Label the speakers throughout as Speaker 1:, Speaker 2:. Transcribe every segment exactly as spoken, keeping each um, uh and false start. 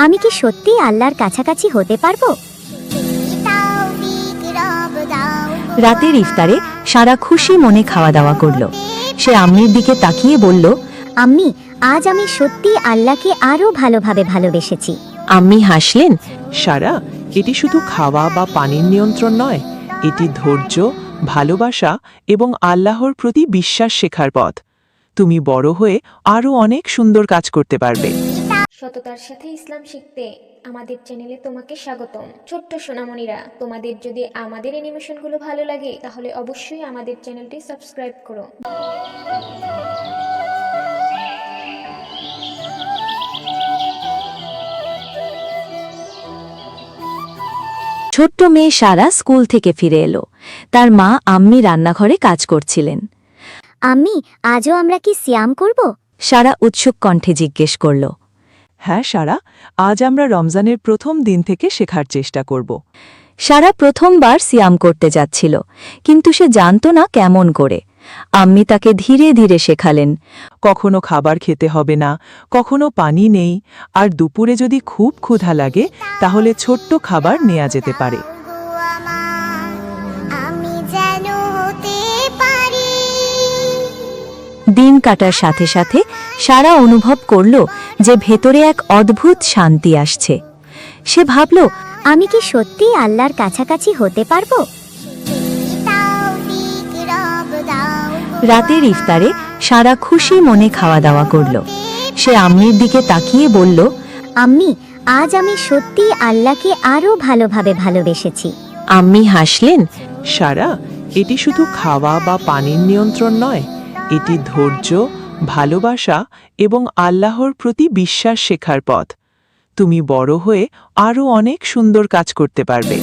Speaker 1: আমি কি সত্যি আল্লাহর কাছাকাছি হতে পারবো?
Speaker 2: রাতের ইফতারে সারা খুশি মনে খাওয়া দাওয়া করলো। সে আম্মির দিকে তাকিয়ে বলল,
Speaker 1: আম্মি, আজ আমি সত্যি আল্লাহকে আরো ভালোভাবে ভালোবেসেছি।
Speaker 2: আম্মি হাসলেন।
Speaker 3: সারা, এটি শুধু খাওয়া বা পানির নিয়ন্ত্রণ নয়, এটি ধৈর্য, ভালোবাসা এবং আল্লাহর প্রতি বিশ্বাস শেখার পথ। তুমি বড় হয়ে আরও অনেক সুন্দর কাজ করতে পারবে।
Speaker 4: সততার সাথে ইসলাম শিখতে আমাদের চ্যানেলে তোমাকে স্বাগতম। ছোট্ট সোনামণিরা, তোমাদের যদি আমাদের অ্যানিমেশনগুলো ভালো লাগে তাহলে অবশ্যই আমাদের চ্যানেলটি সাবস্ক্রাইব করো।
Speaker 2: ছোট্ট মেয়ে সারা স্কুল থেকে ফিরে এলো। তার মা আম্মি রান্নাঘরে কাজ করছিলেন।
Speaker 1: আম্মি, আজও আমরা কি সিয়াম করব?
Speaker 2: সারা উৎসুক কণ্ঠে জিজ্ঞেস করল।
Speaker 3: হ্যাঁ সারা, আজ আমরা রমজানের প্রথম দিন থেকে শেখার চেষ্টা করব।
Speaker 2: সারা প্রথমবার সিয়াম করতে যাচ্ছিল, কিন্তু সে জানত না কেমন করে। আম্মি তাকে ধীরে ধীরে শেখালেন।
Speaker 3: কখনো খাবার খেতে হবে না, কখনো পানি নেই, আর দুপুরে যদি খুব ক্ষুধা লাগে তাহলে ছোট্ট খাবার নেওয়া যেতে পারে।
Speaker 2: দিন কাটার সাথে সাথে সারা অনুভব করল যে ভেতরে এক অদ্ভুত শান্তি আসছে। সে ভাবল,
Speaker 1: আমি কি সত্যি আল্লাহর কাছাকাছি হতে পারবো?
Speaker 2: রাতের ইফতারে সারা খুশি মনে খাওয়া দাওয়া করল। সে আম্মির দিকে তাকিয়ে বলল,
Speaker 1: আম্মি, আজ আমি সত্যি আল্লাহকে আরো ভালোভাবে ভালোবেসেছি।
Speaker 2: আম্মি হাসলেন।
Speaker 3: সারা, এটি শুধু খাওয়া বা পানির নিয়ন্ত্রণ নয়, এটি ধৈর্য, ভালোবাসা এবং আল্লাহর প্রতি বিশ্বাস শেখার পথ। তুমি বড় হয়ে আরও অনেক সুন্দর কাজ করতে পারবে।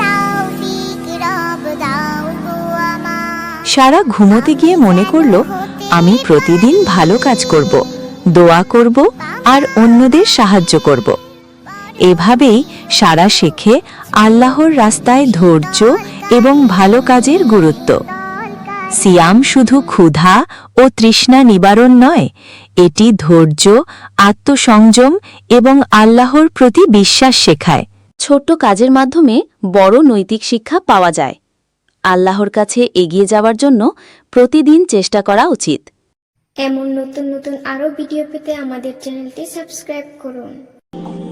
Speaker 2: সারা ঘুমোতে গিয়ে মনে করল, আমি প্রতিদিন ভালো কাজ করব, দোয়া করব আর অন্যদের সাহায্য করব। এভাবেই সারা শেখে আল্লাহর রাস্তায় ধৈর্য এবং ভালো কাজের গুরুত্ব। সিয়াম শুধু ক্ষুধা ও তৃষ্ণা নিবারণ নয়, এটি ধৈর্য, আত্মসংযম এবং আল্লাহর প্রতি বিশ্বাস শেখায়। ছোট্ট কাজের মাধ্যমে বড় নৈতিক শিক্ষা পাওয়া যায়। আল্লাহর কাছে এগিয়ে যাওয়ার জন্য প্রতিদিন চেষ্টা করা উচিত।
Speaker 4: এমন নতুন নতুন আরও ভিডিও পেতে আমাদের চ্যানেলটি সাবস্ক্রাইব করুন।